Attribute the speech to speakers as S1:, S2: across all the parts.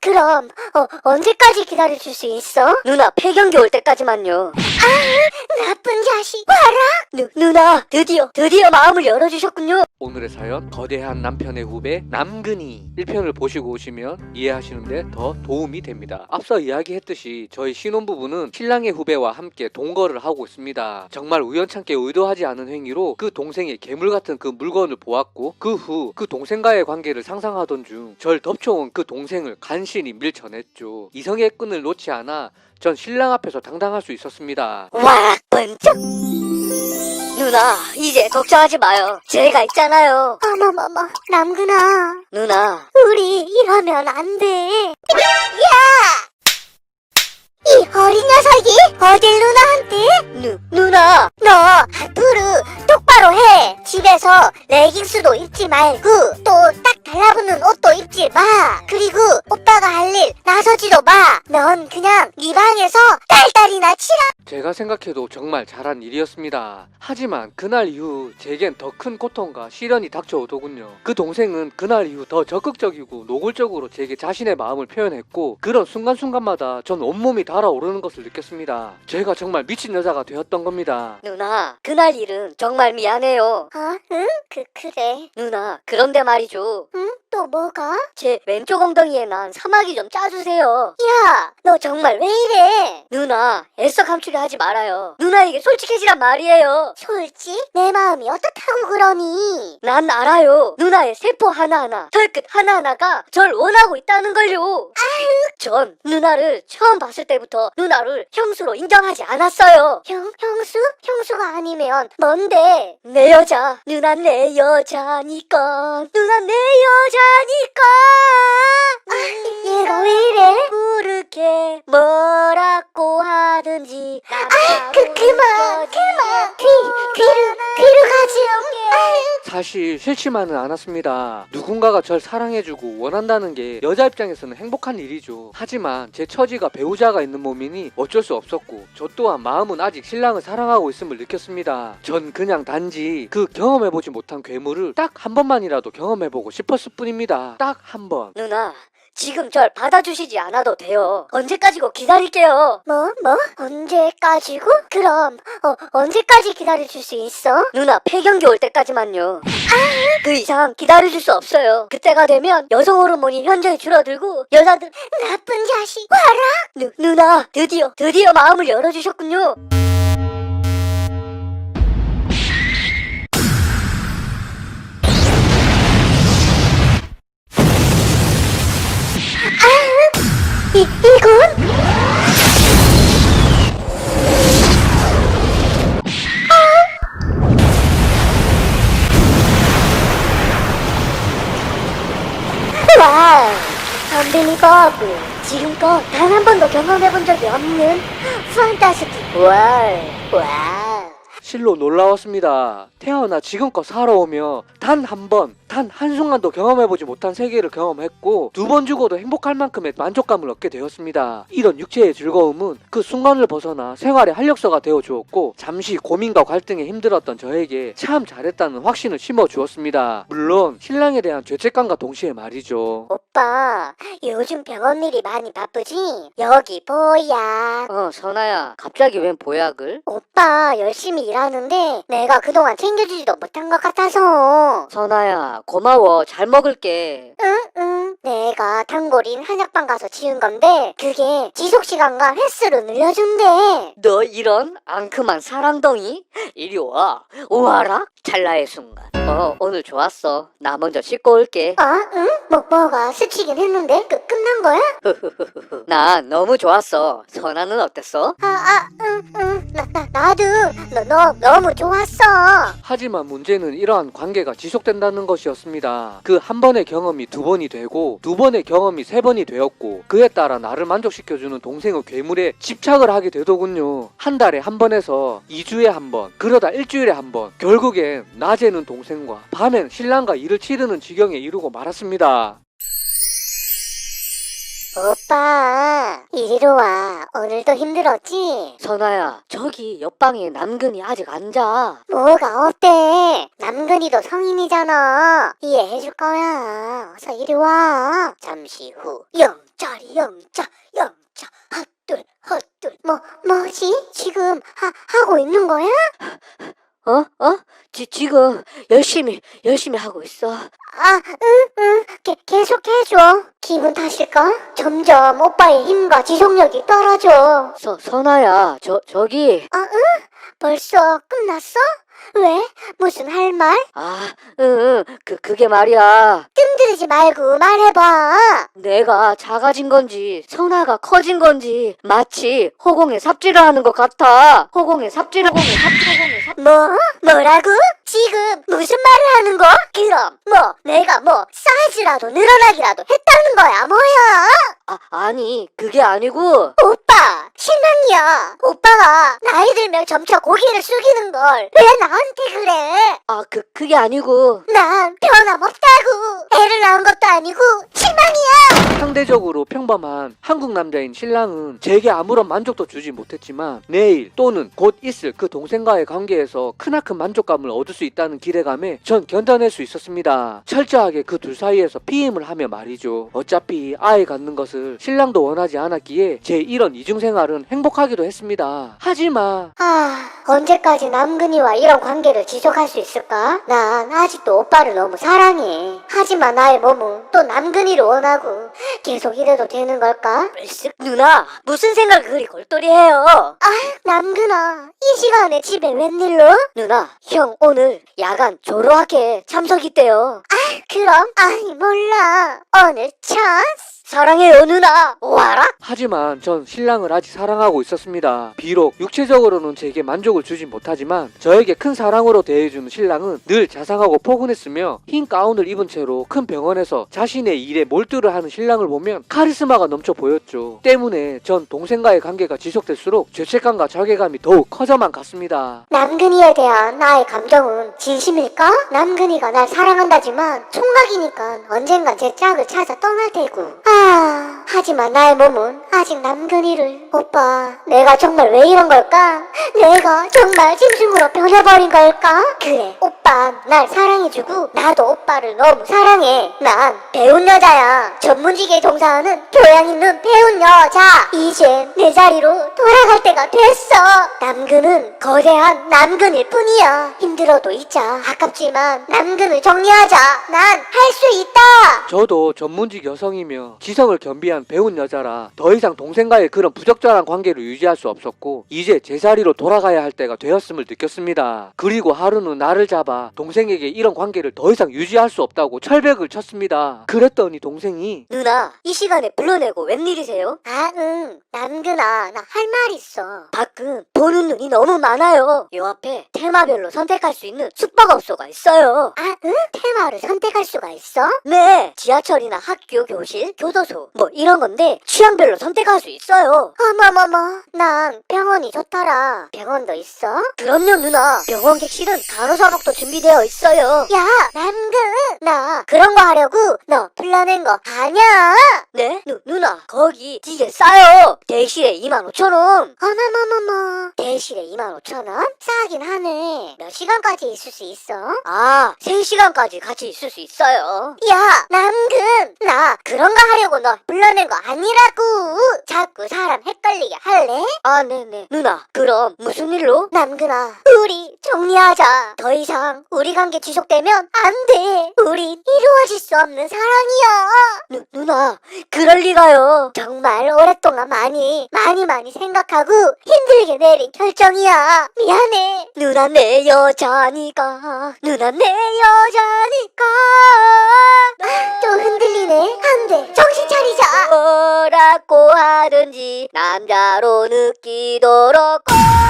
S1: 그럼 언제까지 기다려줄 수 있어?
S2: 누나 폐경기 올 때까지만요.
S1: 나쁜 자식 와라.
S2: 누나 드디어 마음을 열어주셨군요.
S3: 오늘의 사연, 거대한 남편의 후배 남근이 1편을 보시고 오시면 이해하시는데 더 도움이 됩니다. 앞서 이야기했듯이 저희 신혼부부는 신랑의 후배와 함께 동거를 하고 있습니다. 정말 우연찮게 의도하지 않은 행위로 그 동생의 괴물같은 그 물건을 보았고, 그 후 그 동생과의 관계를 상상하던 중 절 덮쳐온 그 동생을 간신히 밀쳐냈죠. 이성의 끈을 놓지 않아 전 신랑 앞에서 당당할 수 있었습니다.
S2: 와 번쩍. 누나 이제 걱정하지 마요. 제가 있잖아요.
S1: 어머머머, 남근아,
S2: 누나
S1: 우리 이러면 안 돼. 이 어린 녀석이 어딜 누나한테?
S2: 누나
S1: 너 앞으로 똑바로 해. 집에서 레깅스도 입지 말고 또 딱 달라붙는 옷도 입지 마. 그리고 오빠가 할 일 나서지도 마. 넌 그냥 네 방에서 딸딸이나 치라.
S3: 제가 생각해도 정말 잘한 일이었습니다. 하지만 그날 이후 제겐 더 큰 고통과 시련이 닥쳐오더군요. 그 동생은 그날 이후 더 적극적이고 노골적으로 제게 자신의 마음을 표현했고, 그런 순간순간마다 전 온몸이 달아오르는 것을 느꼈습니다. 제가 정말 미친 여자가 되었던 겁니다.
S2: 누나 그날 일은 정말 미안해요.
S1: 응? 그래.
S2: 누나 그런데 말이죠.
S1: 응? 또 뭐가?
S2: 제 왼쪽 엉덩이에 난 사마귀 좀 짜주세요.
S1: 야, 너 정말 왜 이래?
S2: 누나 애써 감추려 하지 말아요. 누나에게 솔직해지란 말이에요.
S1: 솔직? 내 마음이 어떻다고 그러니?
S2: 난 알아요. 누나의 세포 하나하나, 털끝 하나하나가 절 원하고 있다는 걸요. 전 누나를 처음 봤을 때부터 누나를 형수로 인정하지 않았어요.
S1: 형수? 형수가 아니면 뭔데?
S2: 내 여자, 누나 내 여자니까, 누나 내 여자니까.
S1: 얘가 왜 이래?
S2: 그렇게 뭐라고 하든지.
S1: 그만. 귀를 가지.
S3: 사실 싫지만은 않았습니다. 누군가가 절 사랑해주고 원한다는 게 여자 입장에서는 행복한 일이죠. 하지만 제 처지가 배우자가 있는 몸이니 어쩔 수 없었고, 저 또한 마음은 아직 신랑을 사랑하고 있음을 느꼈습니다. 전 그냥 단지 그 경험해보지 못한 괴물을 딱 한 번만이라도 경험해보고 싶었을 뿐입니다. 딱 한 번.
S2: 누나, 지금 절 받아주시지 않아도 돼요. 언제까지고 기다릴게요.
S1: 뭐? 언제까지고? 그럼 언제까지 기다려줄 수 있어?
S2: 누나 폐경기 올 때까지만요. 그 이상 기다려줄 수 없어요. 그때가 되면 여성 호르몬이 현저히 줄어들고 여자들.
S1: 나쁜 자식 와라.
S2: 누나 드디어 마음을 열어주셨군요.
S1: 이건? 와우, 언빌리버블. 지금껏 단 한 번도 경험해본 적이 없는 판타스틱 와우.
S3: 실로 놀라웠습니다. 태어나 지금껏 살아오며 단 한 번, 단 한순간도 경험해보지 못한 세계를 경험했고, 두 번 죽어도 행복할 만큼의 만족감을 얻게 되었습니다. 이런 육체의 즐거움은 그 순간을 벗어나 생활의 활력소가 되어주었고, 잠시 고민과 갈등에 힘들었던 저에게 참 잘했다는 확신을 심어주었습니다. 물론 신랑에 대한 죄책감과 동시에 말이죠.
S1: 오빠, 요즘 병원 일이 많이 바쁘지? 여기 보약.
S2: 선아야, 갑자기 웬 보약을?
S1: 오빠 열심히 일하는데 내가 그동안 챙겨주지도 못한 것 같아서.
S2: 선아야, 고마워. 잘 먹을게.
S1: 응. 내가 단골인 한약방 가서 지은 건데 그게 지속시간과 횟수를 늘려준대.
S2: 너 이런 앙큼한 사랑덩이? 이리 와. 오아라? 찰나의 순간. 오늘 좋았어. 나 먼저 씻고 올게.
S1: 응? 뭐가 스치긴 했는데 끝난 거야?
S2: 나 너무 좋았어. 선아는 어땠어?
S1: 응. 나도 너 너무 좋았어.
S3: 하지만 문제는 이러한 관계가 지속된다는 것이었습니다. 그 한 번의 경험이 두 번이 되고, 두 번의 경험이 세 번이 되었고, 그에 따라 나를 만족시켜주는 동생의 괴물에 집착을 하게 되더군요. 한 달에 한 번에서 2주에 한 번, 그러다 일주일에 한 번, 결국엔 낮에는 동생과 밤엔 신랑과 일을 치르는 지경에 이르고 말았습니다.
S1: 오빠, 이리로 와. 오늘도 힘들었지?
S2: 선아야, 저기 옆방에 남근이 아직 안 자.
S1: 뭐가 어때? 남근이도 성인이잖아. 이해해줄 거야. 어서 이리 와. 잠시 후 0.
S2: 영자리 영자 헛둘 헛둘.
S1: 뭐지? 지금 하고 있는 거야?
S2: 지금 열심히 하고 있어.
S1: 응. 계속 해줘. 기분 탓일까? 점점 오빠의 힘과 지속력이 떨어져.
S2: 선아야, 저기.
S1: 응? 벌써 끝났어? 왜? 무슨 할 말?
S2: 그게 말이야.
S1: 뜸들이지 말고 말해봐.
S2: 내가 작아진 건지 선아가 커진 건지 마치 허공에 삽질을 하는 것 같아. 허공에 삽질.
S1: 뭐라고? 지금 무슨 말을 하는 거? 그럼 내가 사이즈라도 늘어나기라도 했다는 거야 뭐야?
S2: 아니 그게 아니고.
S1: 오빠 실망이야. 오빠가 나이 들면 점차 고개를 숙이는 걸 왜 나한테 그래?
S2: 그게 아니고.
S1: 난 변함없다고. 애를 낳은 것도 아니고 실망이야.
S3: 상대적으로 평범한 한국 남자인 신랑은 제게 아무런 만족도 주지 못했지만 내일 또는 곧 있을 그 동생과의 관계에서 크나큰 만족감을 얻을 수 있다는 기대감에 전 견뎌낼 수 있었습니다. 철저하게 그 둘 사이에서 피임을 하며 말이죠. 어차피 아이 갖는 것을 신랑도 원하지 않았기에 제 이런 이중생활은 행복하기도 했습니다. 하지만
S1: 언제까지 남근이와 이런 관계를 지속할 수 있을까? 난 아직도 오빠를 너무 사랑해. 하지만 나의 몸은 또 남근이를 원하고 계속 이래도 되는 걸까?
S2: 누나 무슨 생각을 그리 골똘히해요.
S1: 남근아, 이 시간에 집에 웬일로?
S2: 누나 형 오늘 야간 조로학회에 참석 있대요.
S1: 그럼? 몰라. 오늘 찬스?
S2: 사랑해요 누나. 와라.
S3: 하지만 전 신랑을 아직 사랑하고 있었습니다. 비록 육체적으로는 제게 만족을 주진 못하지만 저에게 큰 사랑으로 대해주는 신랑은 늘 자상하고 포근했으며 흰 가운을 입은 채로 큰 병원에서 자신의 일에 몰두를 하는 신랑을 보면 카리스마가 넘쳐 보였죠. 때문에 전 동생과의 관계가 지속될수록 죄책감과 자괴감이 더욱 커져만 갔습니다.
S1: 남근이에 대한 나의 감정은 진심일까? 남근이가 날 사랑한다지만 총각이니까 언젠간 제 짝을 찾아 떠날 테고. 하지만 나의 몸은 아직 남근이를. 오빠, 내가 정말 왜 이런 걸까? 내가 정말 짐승으로 변해버린 걸까? 그래, 오빠 날 사랑해주고 나도 오빠를 너무 사랑해. 난 배운 여자야. 전문직에 종사하는 교양 있는 배운 여자. 이제 내 자리로 돌아갈 때가 됐어. 남근은 거대한 남근일 뿐이야. 힘들어도 잊자. 아깝지만 남근을 정리하자. 난 할 수 있다.
S3: 저도 전문직 여성이며 지성을 겸비한 배운 여자라 더 이상 동생과의 그런 부적절한 관계를 유지할 수 없었고 이제 제 자리로 돌아가야 할 때가 되었음을 느꼈습니다. 그리고 하루는 나를 잡아 동생에게 이런 관계를 더 이상 유지할 수 없다고 철벽을 쳤습니다. 그랬더니 동생이
S2: 누나 이 시간에 불러내고 웬일이세요?
S1: 응. 남근아, 나 할 말 있어.
S2: 가끔 보는 눈이 너무 많아요. 요 앞에 테마별로 선택할 수 있는 숙박업소가 있어요.
S1: 응? 테마를 선택할 수가 있어?
S2: 네, 지하철이나 학교, 교실, 교도소 뭐 이런 건데 취향별로 선택할 수 있어요.
S1: 어머머머, 난 병원이 좋더라. 병원도 있어?
S2: 그럼요 누나. 병원 객실은 간호사복도 준비되어 있어요.
S1: 야, 남근, 나 그런 거 하려고 너 불러낸 거 아냐?
S2: 네? 누나 거기 되게 싸요. 대실에 25,000원.
S1: 어머머머머, 대실에 25,000원? 싸긴 하네. 몇 시간까지 있을 수 있어?
S2: 3시간까지 같이 있을 수 있어요.
S1: 야, 남근, 나 그런 거 하려고 너 불러낸 거 아니라고. 자꾸 사람 헷갈리게 할래?
S2: 네네. 누나 누나, 그럼 무슨 일로?
S1: 남근아, 우리 정리하자. 더 이상 우리 관계 지속되면 안 돼. 우린 이루어질 수 없는 사랑이야.
S2: 누나, 그럴 리가요.
S1: 정말 오랫동안 많이 생각하고 힘들게 내린 결정이야. 미안해.
S2: 누나 내 여자니까. 누나 내 여자니까.
S1: 또 흔들리네. 안 돼. 정신 차리자.
S2: 뭐라고 하든지 남자로 느끼도록.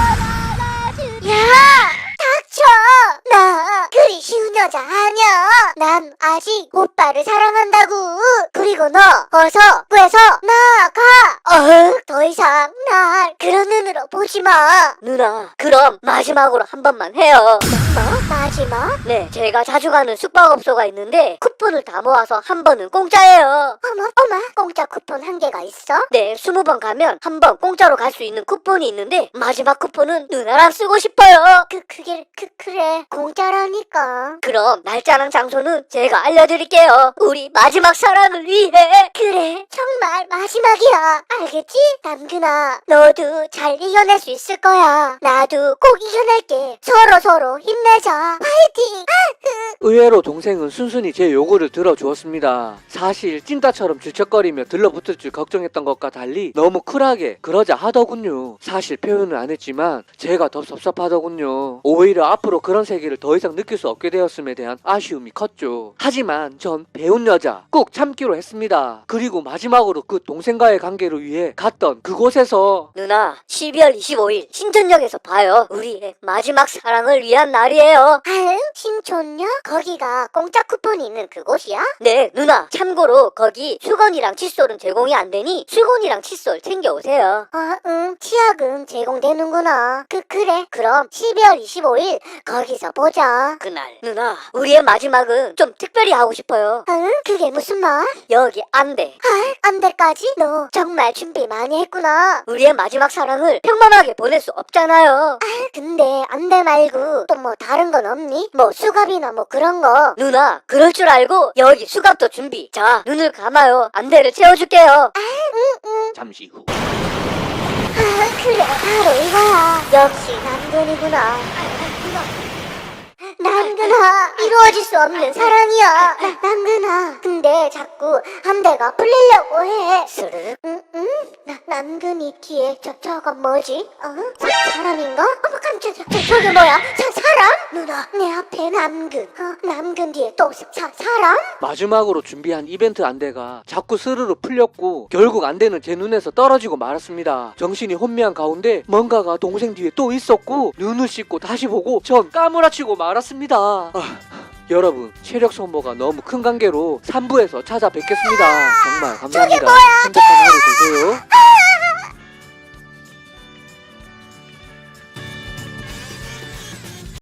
S1: 야! 닥쳐! 나 그리 쉬운 여자 아니야. 난 아직 오빠를 사랑한다고. 그리고 너 어서 구해서 나가. 더 이상 날 그런 눈으로 보지마.
S2: 누나, 그럼 마지막으로 한 번만 해요.
S1: 뭐? 마지막?
S2: 네, 제가 자주 가는 숙박업소가 있는데 쿠폰을 다 모아서 한 번은 공짜예요.
S1: 어머, 공짜 쿠폰 한 개가 있어?
S2: 네, 20번 가면 한 번 공짜로 갈 수 있는 쿠폰이 있는데 마지막 쿠폰은 누나랑 쓰고 싶어요.
S1: 그래. 공짜라니까.
S2: 그럼 날짜랑 장소는 제가 알려드릴게요. 우리 마지막 사랑을 위해.
S1: 그래, 정말 마지막이야. 알겠지? 남근아, 너도 잘 이겨낼 수 있을 거야. 나도 꼭 이겨낼게. 서로 힘내자. 파이팅!
S3: 의외로 동생은 순순히 제 요구를 들어주었습니다. 사실 찐따처럼 질척거리며 들러붙을 줄 걱정했던 것과 달리 너무 쿨하게 그러자 하더군요. 사실 표현은 안 했지만 제가 더 섭섭하더군요. 오히려 앞으로 그런 세계를 더 이상 느낄 수 없게 되었음에 대한 아쉬움이 컸죠. 하지만 전 배운 여자 꼭 참기로 했습니다. 그리고 마지막으로 그 동생과의 관계를 위해 갔던 그곳에서
S2: 누나, 12월 25일 신촌역에서 봐요. 우리의 마지막 사랑을 위한 날이에요.
S1: 신촌역? 거기가 공짜 쿠폰이 있는 그곳이야?
S2: 네, 누나. 참고로 거기 수건이랑 칫솔은 제공이 안 되니 수건이랑 칫솔 챙겨오세요.
S1: 응, 치약은 제공되는구나. 그래. 그럼 12월 25일 거기서 보자.
S2: 그날 누나, 우리의 마지막은 좀 특별히 하고 싶어요.
S1: 그게 무슨 말?
S2: 여기 안돼.
S1: 안돼까지? 너 정말 준비 많이 했구나.
S2: 우리의 마지막 사랑을 평범하게 보낼 수 없잖아요.
S1: 근데 안돼 말고 또 뭐 다른 건 없니? 뭐 수갑이나 뭐 그런 거.
S2: 누나, 그럴 줄 알고 여기 수갑도 준비. 자, 눈을 감아요. 안대를 채워줄게요.
S3: 잠시 후
S1: 그래, 바로 이거야. 역시 남근이구나. 남근아, 이루어질 수 없는 사랑이야. 남근아, 근데 자꾸 안대가 풀리려고 해.
S2: 스르륵.
S1: 남근이 뒤에 저건 뭐지? 사람인가? 어머 깜짝이야. 저게 뭐야? 사람? 누나, 내 앞에 남근. 남근 뒤에 또 사람?
S3: 마지막으로 준비한 이벤트 안대가 자꾸 스르르 풀렸고 결국 안대는 제 눈에서 떨어지고 말았습니다. 정신이 혼미한 가운데 뭔가가 동생 뒤에 또 있었고 눈을 씻고 다시 보고 전 까무라치고 말았습니다. 여러분, 체력 소모가 너무 큰 관계로 3부에서 찾아뵙겠습니다. 정말 감사합니다. 행복한 하루